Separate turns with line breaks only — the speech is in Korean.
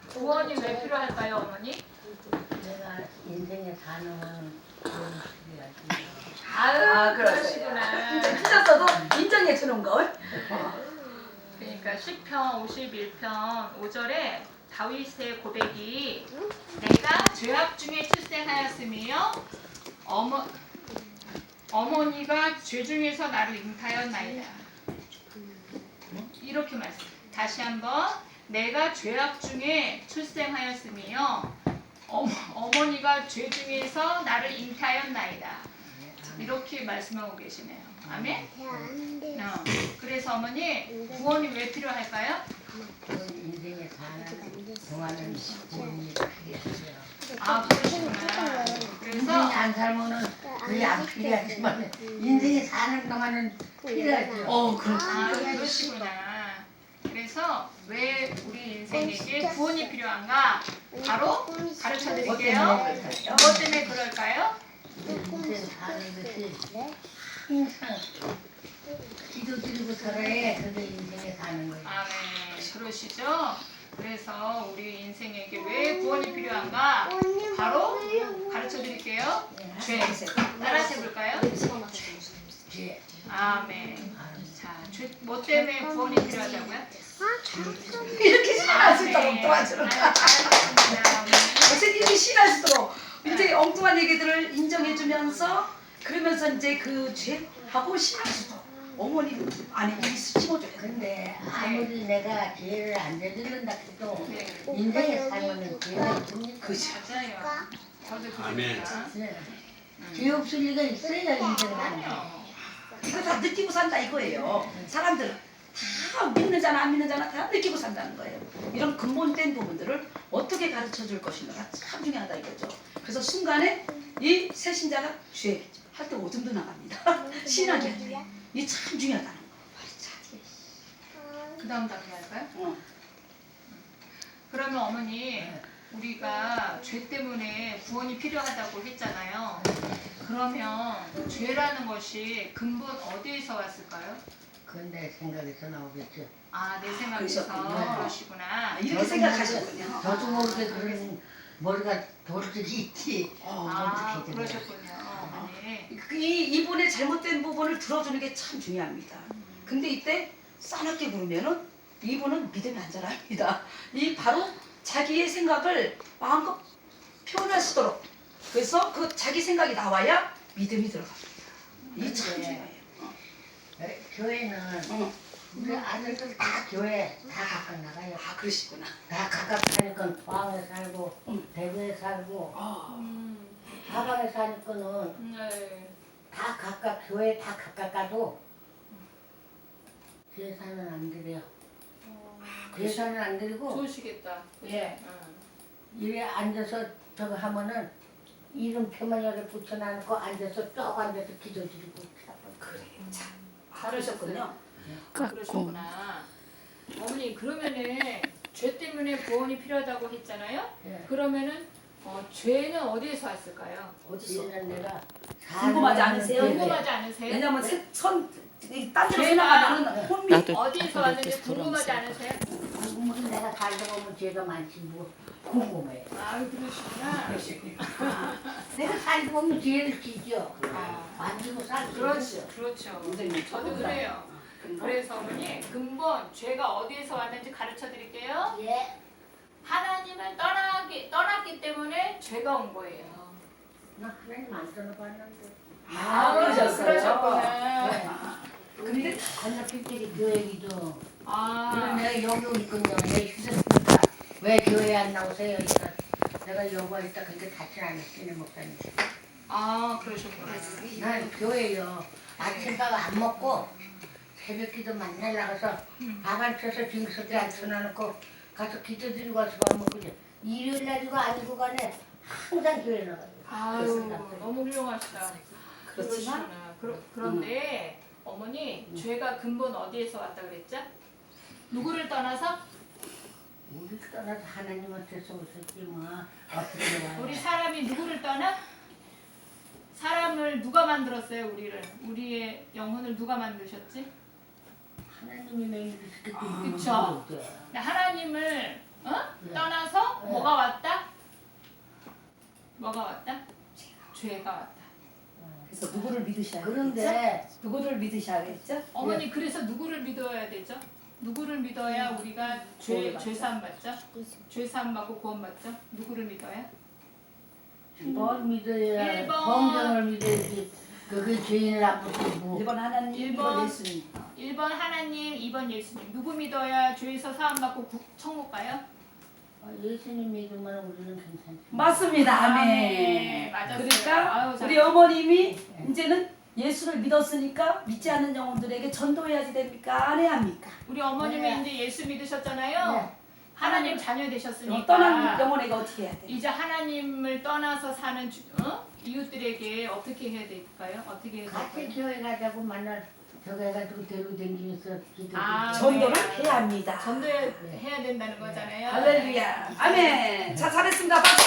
구원이 왜 필요할까요, 어머니?
내가 인생에 사는 그런 필요하지.
아유,
그러세요.
그러시구나.
이제 틀렸어도 인정해 주는 걸.
그러니까 시편 51편 5절에 다윗의 고백이 내가 죄악 중에 출생하였으며 어머니가 죄 중에서 나를 잉타였나이다. 이렇게 말씀. 다시 한번 내가 죄악 중에 출생하였으며 어머니가 죄 중에서 나를 잉타였나이다. 이렇게 말씀하고 계시네요. 아멘. 그래서 어머니 구원이 왜 필요할까요?
인생에 사는 동안은 구원이 필요해요.
아, 그러시구나.
인생에
그래서
안 살면은 그게 안 필요하지만 인생에 사는 동안은 필요하죠.
그러시구나. 그래서 왜 우리 인생에게 구원이 필요한가? 바로 가르쳐 드릴게요. 무엇 때문에 그럴까요?
인생 사는 것이 항상 기도드리고 살아야 그게 인생에 사는 거예요.
아멘. 그러시죠? 그래서 우리 인생에게 왜 구원이 필요한가? 바로 가르쳐 드릴게요. 죄. 따라서 해볼까요?
죄.
아멘. 자, 뭐 때문에 구원이 필요하다고요?
이렇게 신할 수 있도록 도와주는 거야.
잘하셨습니다.
선생님이 신할 수 있도록 이제 엉뚱한 얘기들을 인정해주면서 그러면서 이제 그 죄하고 신할 수 있도록 어머니는 아니 입이 심어줘요.
근데 아무리 내가 죄를 안 저지른다 해도
네.
인생에 살면은 죄가 있습니까?
그죠.
맞아요. 저도
아멘.
그러니까.
죄 없을 리가 있어야 인생 사는 거.
아니요.
이거 다 느끼고 산다 이거예요. 사람들 다 믿는 자나 안 믿는 자나 다 느끼고 산다는 거예요. 이런 근본된 부분들을 어떻게 가르쳐 줄 것인가가 참 중요하다 이거죠. 그래서 순간에 이 새신자가 죄 할 때 오줌도 나갑니다. 신하게 할 때. 이 참 중요하다는 거.
그 다음 단계 할까요?
어.
그러면 어머니 우리가 죄 때문에 구원이 필요하다고 했잖아요. 그러면 죄라는 것이 근본 어디에서 왔을까요?
그건 내 생각에서 나오겠죠.
아, 내 생각에서
그러셨군요.
그러시구나.
이렇게 생각하셨군요.
저도 모르게 그런 머리가 돌들이 있지.
아,
어떻게
그러셨군요. 어머니.
이분의 잘못된 부분을 들어주는 게 참 중요합니다. 근데 이때 싸납게 부르면은 이분은 믿음이 안 자랍니다. 이 바로 자기의 생각을 마음껏 표현할 수 있도록 그래서 그 자기 생각이 나와야 믿음이 들어갑니다. 이 참 중요해요.
교회는
어.
우리 아들들 다 교회 다 각각 나가요.
아 그러시구나.
다 각각 사니까 포항에 살고 대구에 살고 사방에 사니까는
네.
다 각각 교회 다 각각 가도 제사는 안 드려요. 제사는 안 드리고
좋으시겠다. 그죠?
예.
응.
이래 앉아서 저거 하면은 이름표만 여기 붙여놔놓고 앉아서 쭉 앉아서 기도드리고
그래 참
잘하셨군요.
그러셨군요.
그러셨구나. 어머니 그러면은 죄 때문에 구원이 필요하다고 했잖아요.
예.
그러면은 죄는 어디에서 왔을까요?
어디서?
이제는 내가
궁금하지 않으세요?
궁금하지 않으세요?
왜냐면 딴 데로
죄가
나가면은 혼미
어디에서 왔는지 궁금하지 않으세요?
궁금해. 내가 살다 보면 죄가 많지 뭐 궁금해.
아, 그러시구나.
내가 살다 보면 죄를 지죠.
아,
만지고 살수
그렇죠, 그렇죠.
선생님,
저도 그래요. 그래서 어머니 근본 죄가 어디에서 왔는지 가르쳐 드릴게요.
예.
하나님을 떠났기 때문에 죄가 온 거예요.
나 하나님 안 떠나봤는데.
아, 그러셨어요?
그러셨구나.
근데 건너편길이 교회기도.
아,
내가 여기 있군요. 내 휴대폰가 왜 교회 안 나오세요? 그러니까 내가 여기 있다 근데 다시 안 했으니 목사님.
그러셨구나.
난 교회요. 아침밥 안 먹고 새벽기도 만날 나가서 밥 안 쳐서 징석에 앉혀놓고 가서 기도드리고 와서 밥 먹고 이제 일요일 날이고 아니고 간에 항상 교회 나가요.
아유, 너무 훌륭하시다.
그렇지만
그러시구나. 그런데 어머니 죄가 근본 어디에서 왔다 그랬죠? 누구를 떠나서?
우리 떠나서 하나님한테서 오셨지 뭐 어떻게 와요?
우리 사람이 누구를 떠나? 사람을 누가 만들었어요? 우리의 영혼을 누가 만드셨지?
하나님이 매일 이렇게
그쵸. 하나님을 떠나서 뭐가 왔다? 뭐가 왔다? 죄가 왔다.
그래서 누구를 믿으셔야
그런데
되겠죠? 누구를 믿으셔야겠죠?
어머니 그래서 누구를 믿어야 되죠? 누구를 믿어야 우리가 죄 사함 받죠? 죄 사함 받고 구원 받죠? 누구를 믿어야?
뭘 믿어야
1번.
성경을 믿어야지. 그게 죄인을 아프고
1번 하나님,
1번.
2번 예수님.
1번 하나님, 2번 예수님. 누구 믿어야 죄에서 사함 받고 천국 가요?
예수님 믿으면 우리는 괜찮지.
맞습니다. 아멘.
아멘. 맞았어요.
그러니까
아유,
우리
잘했어요.
어머님이 이제는 예수를 믿었으니까 믿지 않는 영혼들에게 전도해야지 됩니까? 안 해야 합니까?
우리 어머님이
네.
이제 예수 믿으셨잖아요.
네.
하나님 자녀 되셨으니까
떠난 영혼에게 어떻게 해야 돼?
이제 하나님을 떠나서 사는 이웃들에게 어떻게 해야 될까요? 어떻게 해야
같이
될까요?
교회 가자고 만날 저거 해가지고 대로 댕기면서 기도.
아,
전도를
네.
해야 합니다.
전도해야 된다는 거잖아요.
할렐루야. 아멘. 자, 잘했습니다. 박수.